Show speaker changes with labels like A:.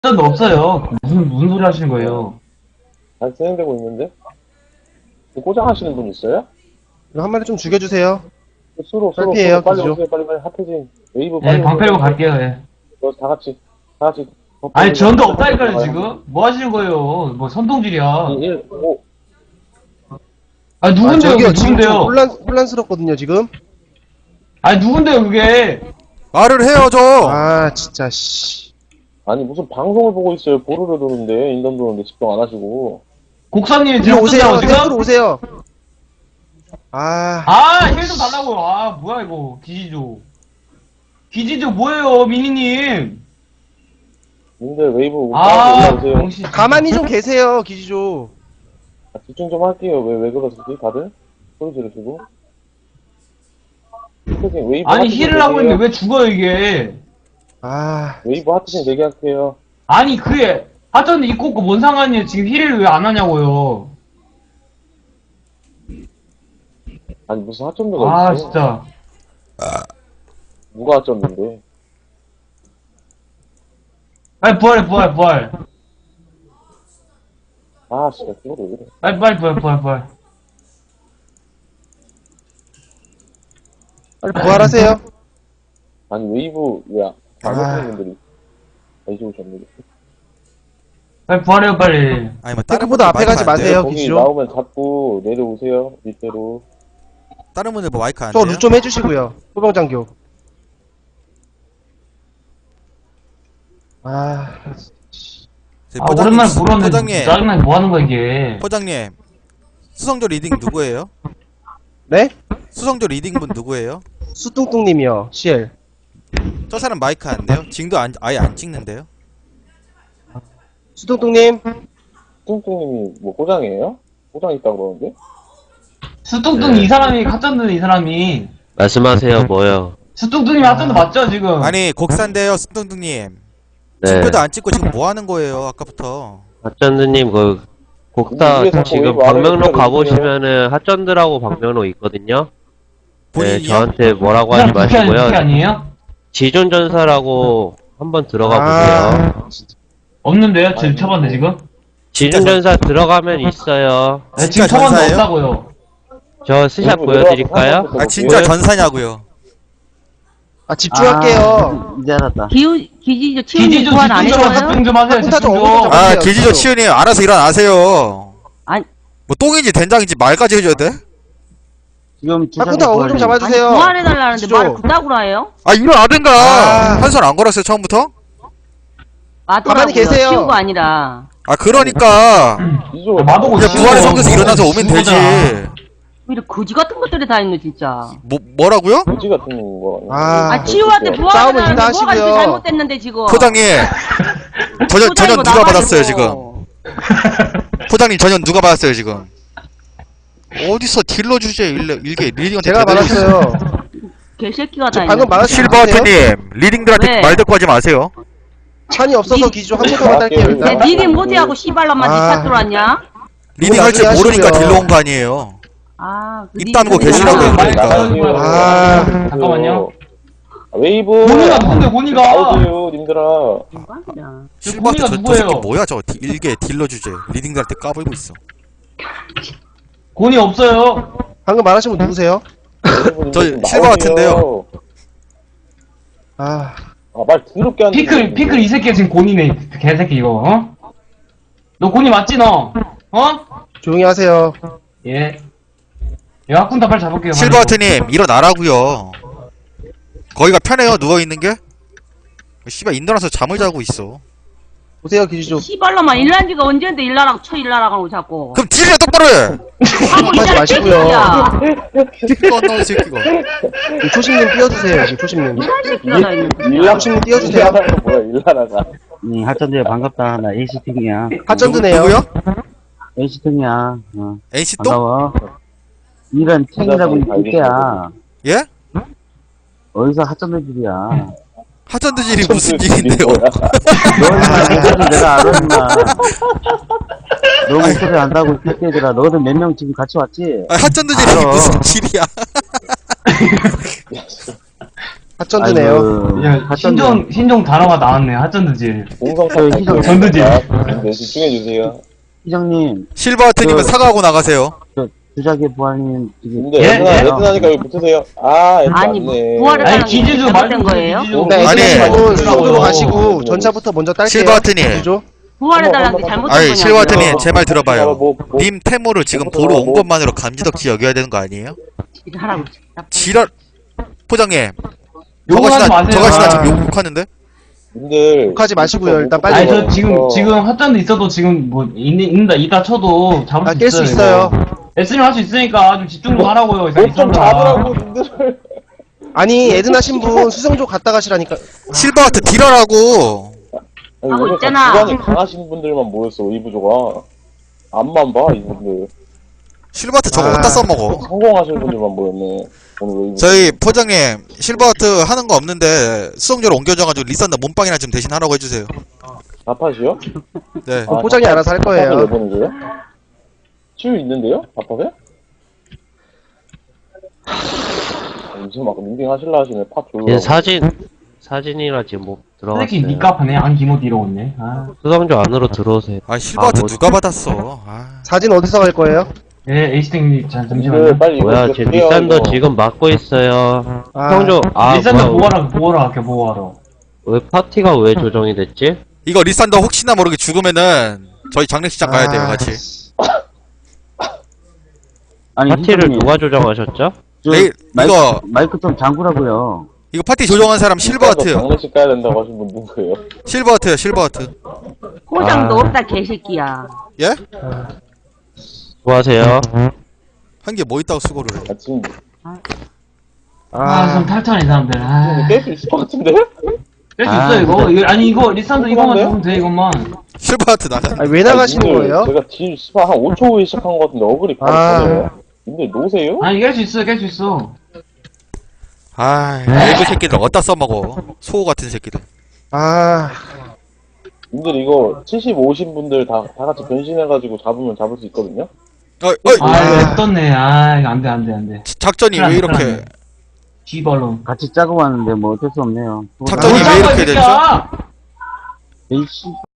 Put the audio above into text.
A: 도 없어요. 무슨 소리 하시는 거예요?
B: 잘 진행되고 있는데? 고장하시는 분 있어요?
C: 한 마리 좀 죽여주세요.
B: 수로
C: 탈피해요,
B: 빨리
C: 그죠?
B: 오세요. 빨리 핫해진 웨이브
A: 네,
B: 빨리
A: 방
B: 오세요.
A: 패고 갈게요. 예.
B: 다 같이
A: 아니 전도 없다니까요 지금. 뭐 하시는 거예요? 뭐 선동질이야.
B: 1, 5
A: 아니 누군데요?
C: 저기요,
A: 그게
C: 지금 좀
A: 누군데요?
C: 혼란스럽거든요, 지금.
A: 아니 누군데요 그게?
D: 말을 해요 좀.
C: 아, 진짜, 씨.
B: 아니 무슨 방송을 보고 있어요. 보루를 도는데 인던 도는데 집중 안 하시고.
A: 곡사님이
C: 들어
A: 지금
C: 오세요,
A: 쓴다고
C: 탱크로
A: 지금?
C: 오세요. 아,
A: 힐 좀 달라고. 아 뭐야 이거 기지조. 기지조 뭐예요 미니님?
B: 님들 웨이브
A: 아
B: 올라오세요.
A: 병신.
C: 가만히 좀 계세요, 기지조.
B: 집중 좀 할게요. 왜 그러시지 다들? 소리 지르시고. 웨이브
A: 아니
B: 핫해진
A: 힐을 하고
B: 대기해요.
A: 있는데 왜 죽어요 이게?
C: 아,
B: 웨이브 핫해진 대기할게요.
A: 아니 그게 하여튼 입고 없고 뭔 상관이에요? 지금 힐을 왜 안 하냐고요?
B: 아니 무슨 핫점도가
A: 아
B: 있어?
A: 진짜.
B: 누가 핫점인데?
A: 빨리 부활해.
B: 아 진짜 그거를 왜 이래.
A: 빨리 부활.
C: 빨리 부활하세요.
B: 아니 웨이브 왜안
C: 아.
B: 하시는 분들이 이제 오셨네.
A: 빨리 부활해요 빨리.
D: 아니 뭐 다른
C: 탱크보다
D: 분들
C: 앞에 가지
D: 마이크 안 돼요?
C: 마세요.
B: 거기
C: 기지로.
B: 나오면 잡고 내려오세요 밑으로.
D: 다른 분들 뭐 마이크 안
C: 저
D: 돼요?
C: 루 좀 해주시고요. 소방장교. 아,
D: 저희
A: 아 오랜만에 물었는데
D: 포장님,
A: 짜증나게 뭐 하는 거야 이게.
D: 포장님. 수성조 리딩 누구예요?
C: 네?
D: 수성조 리딩 분 누구예요?
C: 수뚱뚱님이요, CL.
D: 저 사람 마이크 안 돼요? 징도 아예 안 찍는데요?
C: 수뚱뚱님.
B: 뚱뚱님이 뭐 고장이에요? 고장 있다고 그러는데?
A: 수뚱뚱 이 사람이 핫전드 이 사람이.
E: 말씀하세요, 뭐요?
A: 수뚱뚱님이 핫전드 맞죠 지금?
D: 아니 곡산데요 수뚱뚱님.
E: 네.
D: 징표도 안 찍고 지금 뭐 하는 거예요 아까부터?
E: 핫전드님, 곡사
B: 위에 자꾸
E: 지금
B: 웨이브 아래로
E: 방명록
B: 내려오세요.
E: 가보시면은 핫전드라고 방명록 있거든요? 네,
D: 본인이요?
E: 저한테 뭐라고
A: 이
E: 하지
A: 사람 부캐
E: 마시고요.
A: 아니에요?
E: 지존전사라고 한번 들어가
C: 아.
E: 보세요.
A: 없는데요? 지금 쳐봤는데 지금?
E: 지존전사 들어가면 있어요.
A: 네,
D: 진짜
A: 지금 쳐봤는데
D: 전사예요?
A: 없다고요.
E: 저 스샷
B: 웨이브
E: 보여드릴까요?
B: 내려와서
D: 아 진짜
E: 뭐예요?
D: 전사냐고요?
C: 아, 집중할게요.
F: 이제 알았다.
G: 기지조 치우님
A: 기지조
G: 보완 안
A: 집중 좀
G: 해줘요?
A: 집중 좀 하세요.
C: 혼자
A: 집중
C: 좀
A: 좀.
C: 어그로
D: 아
C: 맞아요,
D: 기지조
C: 지금.
D: 치우님 알아서 일어나세요.
G: 아니.
D: 뭐 똥인지 된장인지 말까지 해줘야 돼?
F: 지금
C: 한분다 어그로 좀
G: 아니
C: 잡아주세요.
G: 보완해달라는데
C: 기지조.
G: 말을 그따구로 해요?
D: 아 일어나든가.
C: 아.
D: 한 손 안 걸었어요 처음부터?
G: 맞더라고요.
C: 계세요.
G: 치우가 아니라.
D: 아 그러니까
B: 이조
A: 마보고
D: 그냥
A: 있어.
D: 부활의 성에서 일어나서 오면 되지.
A: 죽어잖아.
G: 왜 이렇게 거지 같은 것들이 다 있네 진짜.
D: 뭐라고요?
B: 거지 같은 거.
C: 아.
G: 아 치우한테
B: 그렇죠.
C: 싸움은
G: 보완해달라는데
C: 인사하시고요.
G: 뭐가 이렇게 잘못됐는데 지금.
D: 포장님 전현
G: 포장이고
D: 누가
G: 나발이고.
D: 받았어요 지금? 포장님 전현 누가 받았어요 지금? 어디서 딜러 주제 일개 리딩한테
C: 제가
D: 제대로
C: 받았어요.
G: 개새끼가
C: 저
G: 다
C: 방금
G: 있네.
C: 말하신 분 있어요?
D: 실버트님 리딩들한테
G: 네.
D: 말 듣고 하지 마세요.
C: 찬이 없어서 기지조 한 번만 딸게요,
G: 내
C: 일단.
G: 니린 모디하고 씨발람만
C: 아.
G: 니차 들어왔냐?
D: 리딩 할 줄
C: 나중에
D: 모르니까
C: 하시고요.
D: 딜러 온 거 아니에요.
G: 아. 그
D: 입 다물고
G: 니린
D: 계시라고요,
G: 모디하고.
D: 그러니까.
C: 아.
A: 잠깐만요.
B: 웨이브.
A: 고니가 누군데 고니가?
B: 나오세요 님들아.
G: 대박이다.
D: 실버트
A: 고니가
D: 저
A: 누구예요?
D: 새끼 뭐야 저 일개 딜러 주제 리딩들한테 까불고 있어.
A: 고니 없어요.
C: 방금 말하신 분 누구세요?
D: 저 실버 같은데요.
C: 아,
B: 아말 더럽게 하는.
A: 피클 이 새끼 지금 고니네 그 개새끼 이거. 어? 너 고니 맞지 너? 어?
C: 조용히 하세요.
A: 예. 야 학군다 빨리 잡을게요.
D: 실버트님 일어나라고요. 거기가 편해요 누워 있는 게? 씨발 인도라서 잠을 자고 있어.
C: 보세요, 기지조.
G: 씨발람만 일난 지가 언제인데 일나라고 쳐 일나라고 자꾸.
D: 그럼 딜이나 똑바로 해.
G: 하고
C: 하지
G: 있잖아
C: 마시고요.
G: 새끼야.
D: 꺼놓은 새끼가.
C: 초심님 띄워주세요, 지금 초심님.
G: 이런 새끼가 다 있는 거야.
C: 일라님 띄워주세요.
B: 일라라가 뭐야 일라라가.
F: 하천대 반갑다. 나 NC팀이야.
C: 핫전드네요.
D: 누구요?
F: NC팀이야.
D: NC 또?
F: 반가워. 이런 챙이라고 있을게야.
D: 예?
F: 어디서 하천대 집이야.
D: 하전드질이 무슨 일인데요?
F: 너는 목소리 내가 알아, 임마. 너 목소리 안다고, 이 새끼들아. 너는 몇 명 지금 같이 왔지?
D: 하전드질이
F: 알아.
D: 무슨 질이야?
C: 핫전드네요.
A: 야, 신종 단어가 나왔네. 핫전드질.
B: 공성탑
F: 희정-
A: 전두질.
B: 네, 집중해주세요.
F: 희정님,
D: 실버하트님은 사과하고 나가세요.
F: 주작의 부활님, 지금.
B: 근데
A: 예?
B: 애드나니까 왜 붙으세요? 아, 애드
G: 아니,
B: 맞네.
G: 부활을
A: 아니,
G: 하는 게
A: 기지주
G: 잘못된
A: 말고
G: 거예요?
A: 기지주.
C: 네,
D: 아니.
C: 애드나님은 수성조로
B: 어.
C: 가시고 전차부터 먼저 딸게요.
D: 실버하트님.
C: 기지조.
G: 부활해달라는 게 잘못된
D: 아니
G: 거냐고요.
D: 실버하트님 제 말 들어봐요.
B: 뭐,
D: 님 태모를 지금
B: 뭐,
D: 보러 온
B: 뭐.
D: 것만으로 감지덕지 여겨야 되는 거 아니에요?
G: 지랄하고 싶다.
D: 지랄 포장님
A: 욕하지 마세요.
D: 저가시나 지금 욕하는데?
B: 님들.
C: 욕하지 마시고요. 일단 빨리.
A: 아니, 저 지금 핫전드 있어도 지금 뭐, 있는다, 이다 쳐도 잡을 수
C: 깰 수 있어요.
A: S님 할 수 있으니까 좀 집중 좀 하라고요. 이 사람
B: 좀 잡으라고, 님들.
C: 아니 애드나 신분 수성조 갔다 가시라니까.
D: 실버하트 딜하라고.
B: 아니,
G: 하고
B: 오늘
G: 있잖아.
B: 기관이 강하신 분들만 모였어, 이 부조가. 앞만 봐, 이분들.
D: 실버하트 저거
C: 아.
D: 어디다 써먹어?
B: 성공하신 분들만 모였네. 오늘 왜 이분.
D: 저희 포장님 실버하트 하는 거 없는데 수성조로 옮겨져가지고 리산더 몸빵이나 좀 대신 하라고 해주세요.
B: 아파시요?
D: 네.
C: 그럼 포장이 알아서 할 거예요.
B: 왜 보는 거예요? 치유 있는데요? 아파서? 무슨 막 링딩 하실라 하시네, 팝 졸라.
E: 지금 사진이라 지금 뭐 들어갔어요.
A: 솔직히 니값하네. 안 기모드 이러겠네. 아.
E: 수성조 안으로 들어오세요.
D: 아 실버하트
E: 뭐-
D: 누가 받았어? 아.
C: 사진 어디서 갈 거예요?
A: 예, 에이스탱님, 잠시만요.
B: 님들 빨리 이거
E: 뭐야,
B: 이거
E: 지금
B: 드려요,
E: 리산더
B: 이거.
E: 지금 막고 있어요.
C: 아.
E: 수성조,
A: 리산더
E: 뭐야,
A: 뭐하러 할게, 뭐하러.
E: 왜 파티가 왜 조정이 됐지?
D: 이거 리산더 혹시나 모르게 죽으면은 저희 장례식장 가야 돼요 같이.
F: 아니,
E: 파티를
F: 희정님,
E: 누가 조정하셨죠?
F: 저
D: 내일 이거
F: 마이크 좀 잠그라고요.
D: 이거 파티 조정한 사람 실버하트요.
B: 장례식 가야 된다고 하신 분 누구예요?
D: 실버하트요 실버하트.
G: 포장도
E: 아.
G: 없다, 개새끼야.
D: 예?
E: 수고하세요.
D: 한 게 뭐 있다고 수고를 해.
B: 아, 지금
A: 좀 탈탈해, 이 사람들. 아.
B: 깰 수 있을 것 같은데?
A: 뺄 수
F: 아,
A: 있어, 이거.
F: 진짜.
A: 아니, 이거, 리산더 이거만
B: 그런데?
A: 잡으면 돼, 이것만.
D: 실버하트 나가.
C: 아니, 왜 나가시는
B: 아니, 님들,
C: 거예요?
B: 제가 딜 씨발 한 5초 후에 시작한 것 같은데 어글이 바로
C: 아.
B: 터져요. 님들 노세요?
A: 아니, 깰 수 있어, 깰 수 있어.
D: 아, 일부 새끼들 어디다 써먹어. 소호 같은 새끼들.
C: 아
B: 님들 이거 70, 50 분들 다 같이 변신해가지고 잡으면 잡을 수 있거든요?
D: 어이,
A: 아, 이거 떴네. 아, 이거 안 돼, 안 돼, 안 돼.
D: 작전이 왜 이렇게
A: G발론.
F: 같이 짜고 왔는데 뭐 어쩔 수 없네요.
D: 작전이 왜 이렇게 됐죠?
F: 에이씨.